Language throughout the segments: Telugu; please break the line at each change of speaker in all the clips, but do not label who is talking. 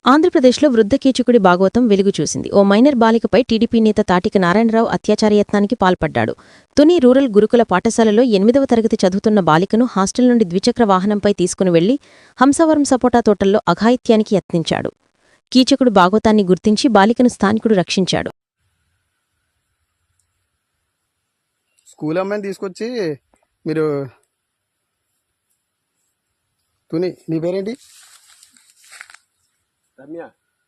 ఆంధ్రప్రదేశ్లో వృద్ధ కీచకుడి భాగవతం వెలుగు చూసింది. ఓ మైనర్ బాలికపై టీడీపీ నేత తాటిక నారాయణరావు అత్యాచార యత్నానికి పాల్పడ్డాడు. తుని రూరల్ గురుకుల పాఠశాలలో 8వ తరగతి చదువుతున్న బాలికను హాస్టల్ నుండి ద్విచక్ర వాహనంపై తీసుకుని వెళ్లి హంసవరం సపోటా తోటల్లో అఘాయిత్యానికి యత్నించాడు. కీచకుడు భాగవతాన్ని గుర్తించి బాలికను స్థానికుడు రక్షించాడు.
స్కూల్ అమ్మాయిని తీసుకొచ్చి మీరు తుని నీ పేరేంటి?
రమ్య.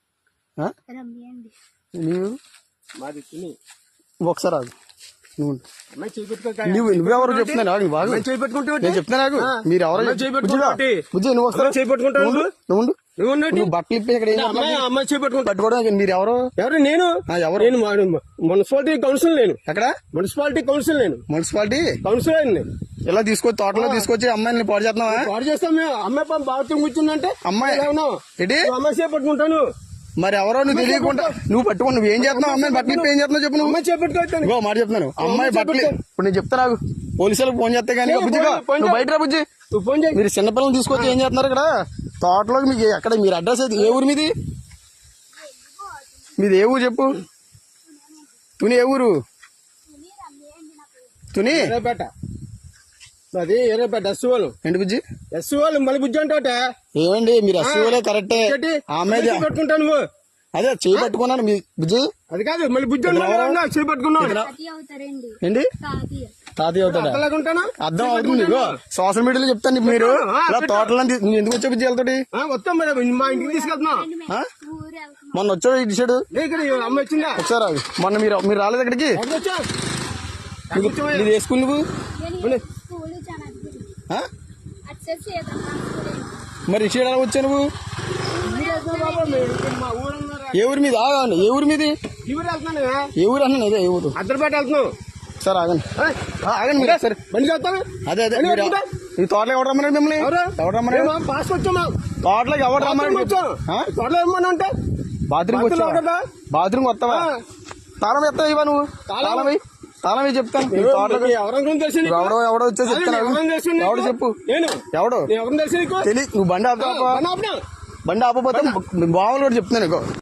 నీవు
మాది తుని.
ఒకసారి ఆగు.
నువ్వు
నువ్వెవరు చెప్తున్నా నాకు బాగా నేను చెప్తున్నా నాకు మీరు ఎవరో బుజ్జి నువ్వు వస్తావు నువ్వు బట్టలు ఇప్పి ఇక్కడ
అమ్మాయి చేపట్టుకుంటా
పట్టుకోవడం మీరు ఎవరు
ఎవరు? నేను
ఎవరు?
నేను మున్సిపాలిటీ కౌన్సిల్. నేను
ఎక్కడ
మున్సిపాలిటీ కౌన్సిల్. నేను
మున్సిపాలిటీ
కౌన్సిల్ అయింది.
ఇలా తీసుకొచ్చి తోటలో తీసుకొచ్చి అమ్మాయిని పాడు చేస్తున్నావా?
పాడు చేస్తాం మేము. అమ్మాయి బాత్రూమ్ కూర్చుందంటే
అమ్మాయి
ఏంటి అమ్మాయి చేపట్టుకుంటాను.
మరి ఎవరో నువ్వు తెలియకుండా నువ్వు పట్టుకుని నువ్వు ఏం చేస్తున్నావు? అమ్మాయి బట్టలు ఇప్పి ఏం చేస్తున్నావు చెప్పు. నువ్వు
అమ్మాయి చేపట్టుకోవచ్చు.
ఇంకో మాట చెప్తున్నాను. అమ్మాయి బట్టలు ఇప్పుడు నేను చెప్తా నాకు పోలీసులకు ఫోన్ చేస్తే కానీ బుజ్జిగా నువ్వు బయట రా బుజ్జి.
నువ్వు ఫోన్ చేయి.
మీరు చిన్నపిల్లలు తీసుకొచ్చి ఏం చేస్తున్నారు ఇక్కడ తోటలోకి? మీకు ఎక్కడ మీరు అడ్రస్ అయితే ఏ ఊరు మీది? మీది ఏ ఊరు చెప్పు. తుని ఏ ఊరు? తుని
ఎర్రపేట. అది ఎర్రపేట ఎస్సీఓలు.
ఏంటి బుజ్జి?
ఎస్సీఓలు మళ్ళీ బుజ్జి అంటే
ఏమండి మీరు ఎస్సీఓలే కరెక్టే. అమ్మాయి
పెట్టుకుంటా నువ్వు
అదే చేయి పట్టుకున్నాను మీ బుజ్జి.
అది కాదు మళ్ళీ బుజ్జి చేయి పట్టుకున్నావు.
ఏంటి తాతయ్య అవుతాడా? అర్థం అవుతుంది. సోషల్ మీడియాలో చెప్తాను మీరు ఇలా తోటలో నువ్వు ఎందుకు వచ్చా బుజ్జి వెళ్తాడు?
వస్తాం మరి మా ఇంటికి తీసుకెళ్తున్నా.
మొన్న వచ్చాడు ఇటు సైడు
అమ్మ వచ్చిందా?
ఒకసారి ఆగు. మొన్న మీరు రాలేదు ఇక్కడికి? మీరు వేసుకుని నువ్వు మరి ఇటు సైడ్ ఎలా వచ్చా నువ్వు? ఏ ఊరి మీద? ఆగండి. ఏ ఊరి మీది? ఏ ఊరు అన్నా? ఇదే ఏ ఊరు?
అద్దరిపేట వెళ్తున్నావు.
సార్ ఆగండి ఆగండి మీరు సరే
బండి చేస్తాను.
అదే అదే ఈ తోటలోకి ఎవరు రమ్మన్నాడు మిమ్మల్ని? ఎవరు రమ్మన్నాడు?
పాస్ వచ్చామా?
తోటలోకి ఎవరు రమ్మన్నాడు?
తోటలో ఏమన్నా అంటే
బాత్రూమ్ వచ్చా? బాత్రూమ్ వస్తావా? తాళం ఎత్తావు ఇవా నువ్వు? తాళం చెప్తాను. ఎవడో వచ్చేసి చెప్తాను. ఎవడు చెప్పు. ఎవడు తెలియదు. నువ్వు బండి ఆపకపోతే బావులు కూడా చెప్తున్నాను.